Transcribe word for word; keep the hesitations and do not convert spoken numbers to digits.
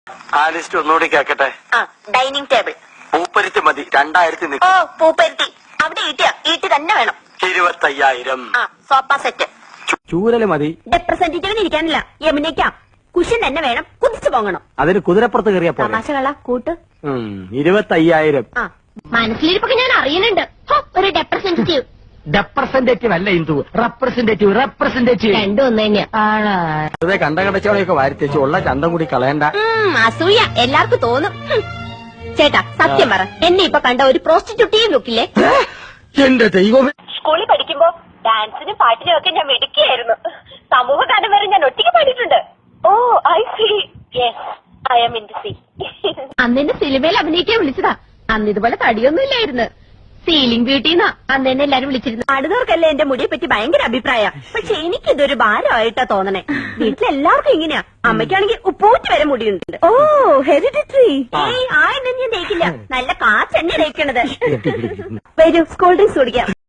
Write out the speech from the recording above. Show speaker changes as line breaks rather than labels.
ആ ലിസ്റ്റ് ഒന്നുകൂടി കേക്കട്ടെ.
ആ ഡൈനിങ് ടേബിൾ.
പൂപ്പരുത്തി മതി. രണ്ടായിരത്തി
ഓ പൂപ്പരുത്തി അവിടെ ഈട്ടിയ ഈട്ടി തന്നെ വേണം.
ഇരുപത്തയ്യായിരം.
ആ സോഫ സെറ്റ്.
ചൂരല് മതി.
റെപ്രസെന്റേറ്റീവിന് ഇരിക്കാനില്ല, യമുനയ്ക്കാം. കുഷൻ തന്നെ വേണം, കുതിച്ചു പോകണം.
അതിന് കുതിരപ്പുറത്ത് കയറിയ പോലെ.
തമാശകള കൂട്ട്.
ഇരുപത്തയ്യായിരം.
ആ മനസ്സിലിരിപ്പൊക്കെ ഞാൻ അറിയുന്നുണ്ട്. ഒരു റെപ്രസെന്റേറ്റീവ്.
റെപ്രസെന്റേറ്റീവ് അല്ല ഇന്ദു, റെപ്രസെന്റേറ്റീവ്. റെപ്രസെന്റേറ്റീവ്
രണ്ടും ഒന്ന് തന്നെയാ.
അതെ, കണ്ട കടച്ചോളയൊക്കെ വാരിത്തേച്ച് ഉള്ള ചന്തം കൂടി കളയണ്ട.
അസൂയ എല്ലാവർക്കും തോന്നും. ചേട്ടാ സത്യം പറ, എന്നെ ഇപ്പൊ കണ്ട ഒരു പ്രോസ്റ്റിറ്റ്യൂട്ടീവ് ലുക്കില്ലേ?
എന്റെ ദൈവമേ.
സ്കൂളിൽ പഠിക്കുമ്പോ ഡാൻസിനും പാട്ടിനും ഒക്കെ ഞാൻ മിടുക്കിയായിരുന്നു. സമൂഹ ഗാനം വരെ ഞാൻ ഒറ്റയ്ക്ക് പാടിയിട്ടുണ്ട്. Oh I see. Yes I am in the sea. അന്ന് എന്നെ സിനിമയിൽ അഭിനയിക്കാൻ വിളിച്ചതാ. അന്ന് ഇതുപോലെ തടിയൊന്നും ഇല്ലായിരുന്നു. സീലിംഗ് ബ്യൂട്ടിന്നാ അന്ന് എന്നെ എല്ലാരും വിളിച്ചിരുന്നു. അടുത്തവർക്കല്ലേ എന്റെ മുടിയെ പറ്റി ഭയങ്കര അഭിപ്രായ. പക്ഷെ എനിക്കിതൊരു ഭാരമായിട്ടാ തോന്നണേ. വീട്ടിലെല്ലാവർക്കും ഇങ്ങനെയാ. അമ്മയ്ക്കാണെങ്കിൽ ഉപ്പൂറ്റി വരെ മുടിയുണ്ട്. ഓ ഹെറിഡിറ്ററി. ഏയ് ആ എന്നെ ഞാൻ തേക്കില്ല, നല്ല കാച്ചെണ്ണ തേക്കണത്. വരൂ സ്കൂൾ ഡ്രിങ്ക്സ് കുടിക്കാം.